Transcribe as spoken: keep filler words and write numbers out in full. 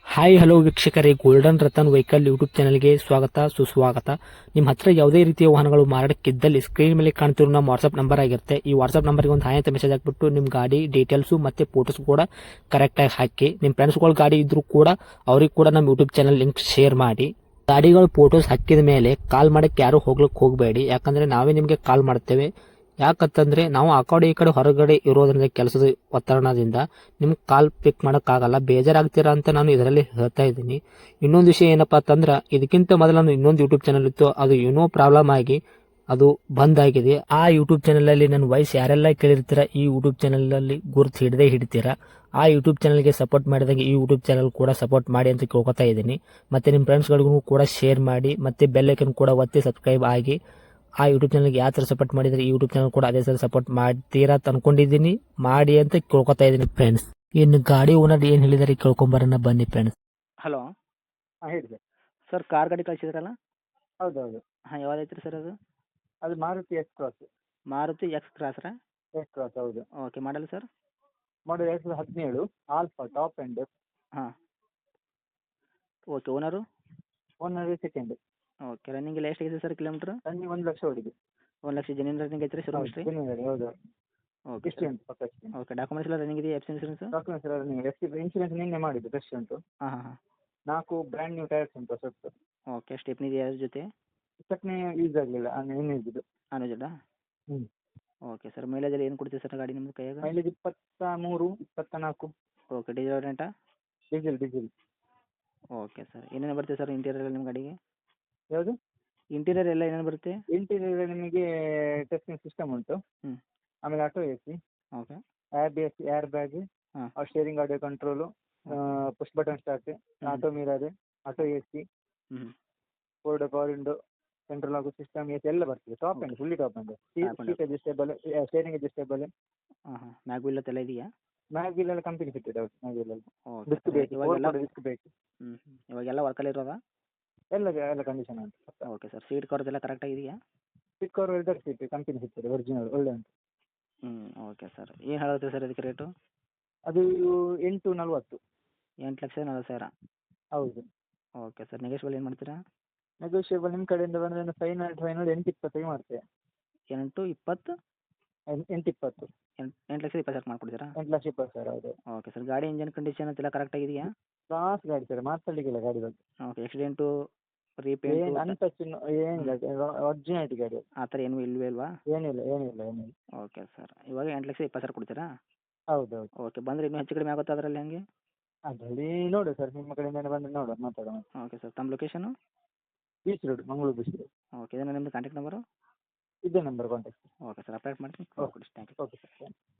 Hi hello ವೀಕ್ಷಕರೇ, golden Ratan vehicle YouTube ಚಾನಲ್ಗೆ ಸ್ವಾಗತ ಸುಸ್ವಾಗತ. ನಿಮ್ಮ ಹತ್ರ ಯಾವುದೇ ರೀತಿಯ ವಾಹನಗಳು ಮಾರಾಟಕ್ಕಿದ್ದಲ್ಲಿ ಸ್ಕ್ರೀನ್ ಮೇಲೆ ಕಾಣ್ತಿರೋ ನಮ್ಮ ವಾಟ್ಸ್ಆಪ್ ನಂಬರ್ ಆಗಿರುತ್ತೆ. ಈ ವಾಟ್ಸ್ಆಪ್ ನಂಬರ್ಗೆ ಒಂದು ಹಾಯ್ ಅಂತ ಮೆಸೇಜ್ ಹಾಕ್ಬಿಟ್ಟು ನಿಮ್ಮ ಗಾಡಿ ಡೀಟೇಲ್ಸು ಮತ್ತೆ ಫೋಟೋಸ್ ಕೂಡ ಕರೆಕ್ಟಾಗಿ ಹಾಕಿ. ನಿಮ್ಮ ಫ್ರೆಂಡ್ಸ್ಗಳ ಗಾಡಿ ಇದ್ರೂ ಕೂಡ ಅವ್ರಿಗೆ ಕೂಡ ನಮ್ಮ ಯೂಟ್ಯೂಬ್ ಚಾನಲ್ ಲಿಂಕ್ ಶೇರ್ ಮಾಡಿ. ಗಾಡಿಗಳು ಫೋಟೋಸ್ ಹಾಕಿದ ಮೇಲೆ ಕಾಲ್ ಮಾಡಕ್ಕೆ ಯಾರು ಹೋಗ್ಲಿಕ್ಕೆ ಹೋಗಬೇಡಿ, ಯಾಕಂದ್ರೆ ನಾವೇ ನಿಮಗೆ ಕಾಲ್ ಮಾಡ್ತೇವೆ. ಯಾಕಂತಂದ್ರೆ ನಾವು ಆ ಕಡೆ ಈ ಕಡೆ ಹೊರಗಡೆ ಇರೋದ್ರಿಂದ ಕೆಲಸದ ಒತ್ತಡದಿಂದ ನಿಮ್ಗೆ ಕಾಲ್ ಪಿಕ್ ಮಾಡೋಕ್ಕಾಗಲ್ಲ, ಬೇಜಾರಾಗ್ತೀರಾ ಅಂತ ನಾನು ಇದರಲ್ಲಿ ಹೇಳ್ತಾ ಇದ್ದೀನಿ. ಇನ್ನೊಂದು ವಿಷಯ ಏನಪ್ಪಾ ಅಂತಂದ್ರೆ, ಇದಕ್ಕಿಂತ ಮೊದಲು ನಾನು ಇನ್ನೊಂದು ಯೂಟ್ಯೂಬ್ ಚಾನಲ್ ಇತ್ತು, ಅದು ಏನೋ ಪ್ರಾಬ್ಲಮ್ ಆಗಿ ಅದು ಬಂದ್ ಆಗಿದೆ. ಆ ಯೂಟ್ಯೂಬ್ ಚಾನಲ್ ಅಲ್ಲಿ ನನ್ನ ವಾಯ್ಸ್ ಯಾರೆಲ್ಲ ಕೇಳಿರ್ತೀರಾ, ಈ ಯೂಟ್ಯೂಬ್ ಚಾನಲ್ ಅಲ್ಲಿ ಗುರುತು ಹಿಡದೆ ಹಿಡಿತೀರಾ. ಆ ಯೂಟ್ಯೂಬ್ ಚಾನಲ್ಗೆ ಸಪೋರ್ಟ್ ಮಾಡಿದಾಗ ಈ ಯೂಟ್ಯೂಬ್ ಚಾನಲ್ ಕೂಡ ಸಪೋರ್ಟ್ ಮಾಡಿ ಅಂತ ಕೇಳ್ಕೊತಾ ಇದ್ದೀನಿ. ಮತ್ತೆ ನಿಮ್ಮ ಫ್ರೆಂಡ್ಸ್ಗಳಿಗೂ ಕೂಡ ಶೇರ್ ಮಾಡಿ, ಮತ್ತೆ ಬೆಲ್ ಐಕನ್ ಕೂಡ ಒತ್ತಿ ಸಬ್ಸ್ಕ್ರೈಬ್ ಆಗಿ. ಆ ಯೂಟ್ಯೂಬ್ ಚಾನಲ್ಗೆ ಯಾವ ಥರ ಸಪೋರ್ಟ್ ಮಾಡಿದ್ರೆ ಈ ಯೂಟ್ಯೂಬ್ ಚಾನಲ್ ಕೂಡ ಅದೇ ಥರ ಸಪೋರ್ಟ್ ಮಾಡ್ತೀರಾ ಅಂತ ಅನ್ಕೊಂಡಿದ್ದೀನಿ. ಮಾಡಿ ಅಂತ ಕೇಳ್ಕೊತಾ ಇದ್ದೀನಿ ಫ್ರೆಂಡ್ಸ್. ಇನ್ನು ಗಾಡಿ ಓನರ್ ಏನು ಹೇಳಿದಾರೆ ಕೇಳ್ಕೊಂಬರೋಣ ಬನ್ನಿ ಫ್ರೆಂಡ್ಸ್. ಹಲೋ. ಹಾಂ ಹೇಳಿ ಸರ್. ಸರ್ ಕಾರ್ ಗಾಡಿ ಕಳಿಸಿದ್ರಲ್ಲ. ಹೌದೌದು. ಹಾಂ, ಯಾವ್ದು ಐತ್ರಿ ಸರ್ ಅದು? ಅದು Maruti X cross. Maruti X ಕ್ರಾಸ್ರಾ? ಎಕ್ಸ್ ಕ್ರಾಸ್ ಹೌದು. Okay, model sir? ಮಾಡಲ್ ಎರಡು ಸಾವಿರದ ಹದಿನೇಳು, ಆಲ್ಫಾ ಟಾಪ್ ಎಂಡ್. ಹಾಂ. Okay, owner? Owner second. Okay, running ಎಲ್ಲ ಎಷ್ಟಾಗಿದೆ ಸರ್ ಕಿಲೋಮೀಟ್ರ್? ರನ್ನಿಂಗ್ ಒಂದು ಲಕ್ಷ ಹೊಡಿದೆ. ಒಂದು ಲಕ್ಷ ಜೆನ್ಯೂನ್ ರನ್ನಿಂಗ್ ಐತ್ರಿ ಶೋರೂಮ್ ಹಿಸ್ಟ್ರಿ? ಹೌದು ಹೌದು. ಓಕೆ ಎಷ್ಟು ಉಂಟು ಪಕ್ಕ ಎಷ್ಟು? ಓಕೆ, ಡಾಕ್ಯುಮೆಂಟ್ಸ್ ಎಲ್ಲ ರನ್ನಿಂಗ್ ಇದೆಯಾ? F C insurance? ಡಾಕ್ಯುಮೆಂಟ್ಸ್ ಎಲ್ಲ ರನ್ನಿಂಗ್. ಎಫ್ ಇನ್ಶೂರೆನ್ಸ್ ನಿನ್ನೆ ಮಾಡಿದ್ದು, ಫ್ರೆಶ್ ಉಂಟು. ಹಾಂ ಹಾಂ ಹಾಂ. ನಾಲ್ಕು ಬ್ರ್ಯಾಂಡ್ ನ್ಯೂ ಟೈರ್ಸ್ ಉಂಟು ಹೊಸತ್ತು. ಓಕೆ, ಸ್ಟೆಪ್ನಿ ಇದೆಯಾ ಅದ್ರ ಜೊತೆ? ಚಟ್ನಿ ಯೂಸ್ ಆಗಲಿಲ್ಲ, ಏನು ಇದ್ದಿದ್ದು. ಅನುಜಡ? ಹ್ಞೂ. ಓಕೆ ಸರ್, ಮೈಲೇಜ್ ಎಲ್ಲ ಏನು ಕೊಡ್ತೀವಿ ಸರ್ ಗಾಡಿ ನಿಮ್ಗೆ ಕೈಯಾಗ? ಮೈಲೇಜ್ ಇಪ್ಪತ್ತ ಮೂರು ಇಪ್ಪತ್ತ ನಾಲ್ಕು. ಓಕೆ, ಡೀಸೆಲ್ ರೆಂಟಾ? Diesel diesel. ಓಕೆ ಸರ್, ಏನೇನು ಬರುತ್ತೆ ಸರ್ ಇಂಟೀರಿಯರ್ ಎಲ್ಲ ನಿಮ್ಮ ಗಾಡಿಗೆ? ಯಾವುದು? ಇಂಟೀರಿಯರ್ ಎಲ್ಲ ಏನೇನು ಬರುತ್ತೆ? ಇಂಟೀರಿಯರ್ ನಿಮಗೆ ಟೆಸ್ಟಿಂಗ್ ಸಿಸ್ಟಮ್ ಉಂಟು. ಹ್ಞೂ. ಆಮೇಲೆ auto A C, okay. A B S, air bag, ಹಾಂ. Steering audio control, push button start, auto mirror, auto A C, ಹ್ಞೂ. ಫೋರ್ಡ್ ಪವರ್ ವಿಂಡೋ, ಸೆಂಟ್ರಲ್ ಆಗೋ ಸಿಸ್ಟಮ್, ಎ ಸಿ ಎಲ್ಲ ಬರ್ತದೆ. Top end, fully top end. Seat adjustable, steering adjustable. ಹಾಂ ಹಾಂ, mag wheel ಎಲ್ಲ ಇದೆಯಾ? Mag wheel ಎಲ್ಲ company fitted. ಹೌದು, ಮ್ಯಾಗ್ ವೀಲ್ ಎಲ್ಲ ಓಕೆ ಡಿಸ್ಕ್ ಸರ್, ಬೇಕು, ಇವಾಗೆಲ್ಲ ಡಿಸ್ಕ್ ಬೇಕು. ಹ್ಞೂ ಹ್ಞೂ, ಇವಾಗೆಲ್ಲ ವರ್ಕಲ್ಲಿ ಇರೋದಾ? ಎಲ್ಲ ಎಲ್ಲ ಕಂಡೀಷನ್ ಉಂಟು. ಓಕೆ ಸರ್, ಸೀಟ್ ಕವರ್ಸ್ ಎಲ್ಲ ಕರೆಕ್ಟಾಗಿದೆಯಾ? ಸೀಟ್ ಕವರ್ ಎಲ್ಲ ಸೀಟ್ ಕಂಪನಿ ಫಿಟ್ಟೆಡ್, ಒರಿಜಿನಲ್ ಒಳ್ಳೆ ಉಂಟು. ಹ್ಞೂ. ಓಕೆ ಸರ್, ಏನು ಹೇಳುತ್ತೆ ಸರ್ ಇದಕ್ಕೆ ರೇಟು? ಅದು ಎಂಟು ನಲ್ವತ್ತು. ಎಂಟು ಲಕ್ಷ ನಲ್ವತ್ತು ಸಾವಿರ? ಹೌದು. ಓಕೆ ಸರ್, ನೆಗೋಷಿಯಬಲ್ ಏನು ಮಾಡ್ತೀರಾ? ನೆಗೋಷಿಯೇಬಲ್ ನಿಮ್ಮ ಕಡೆಯಿಂದ ಬಂದರೆ ಫೈನಲ್ ಫೈನಲ್ ಎಂಟು ಇಪ್ಪತ್ತೈದು ಮಾಡ್ತೇವೆ. ಎಂಟು ಇಪ್ಪತ್ತು? ಎಂಟು ಇಪ್ಪತ್ತು. ಎಂಟು ಎಂಟು ಲಕ್ಷದ ಇಪ್ಪತ್ತು ಸಾವಿರ ಮಾಡ್ಕೊಡ್ತೀರಾ? ಎಂಟು ಲಕ್ಷ ಇಪ್ಪತ್ತು ಸಾವಿರ. ಹೌದು. ಓಕೆ ಸರ್, ಗಾಡಿ ಇಂಜನ್ ಕಂಡೀಷನ್ ಎಲ್ಲ ಕರೆಕ್ಟಾಗಿದೆಯಾ? ಕ್ಲಾಸ್ ಗಾಡಿ ಸರ್, ಮಾತಾಡಲಿಕ್ಕಿಲ್ಲ ಗಾಡಿ ಬಗ್ಗೆ. ಓಕೆ, ಆಕ್ಸಿಡೆಂಟು ಏನು ರೀಪೇಂಟು ಅಂತ ಚಿನ್ನ ಏನಿಲ್ಲ, ಒರಿಜಿನಾಲಿಟಿ ಗಾಡಿ. ಆ ಥರ ಏನೂ ಇಲ್ಲವೇ ಇಲ್ವಾ? ಏನಿಲ್ಲ ಏನಿಲ್ಲ ಏನಿಲ್ಲ. ಓಕೆ ಸರ್, ಇವಾಗ ಎಂಟು ಲಕ್ಷ ಇಪ್ಪತ್ತು ಸಾವಿರ ಕೊಡ್ತೀರಾ? ಹೌದು ಹೌದು. ಓಕೆ, ಬಂದರೆ ಇನ್ನೂ ಹೆಚ್ಚು ಕಡಿಮೆ ಆಗುತ್ತಾ ಅದರಲ್ಲಿ ಹಂಗೆ? ಅದರಲ್ಲಿ ನೋಡುವ ಸರ್, ನಿಮ್ಮ ಕಡೆಯಿಂದ ಬಂದರೆ ನೋಡುವ, ಮಾತಾಡೋಣ. ಓಕೆ ಸರ್, ತಮ್ಮ location? Beach road, Mangaluru beach road. Okay, ಇದನ್ನು ನಿಮ್ಮದು ಕಾಂಟ್ಯಾಕ್ಟ್ ನಂಬರು? ಇದೇ number contact. Okay sir, update ಮಾಡ್ತೀನಿ. ಓಕೆ ಕೊಡಿ, ಥ್ಯಾಂಕ್ ಯು. Okay sir.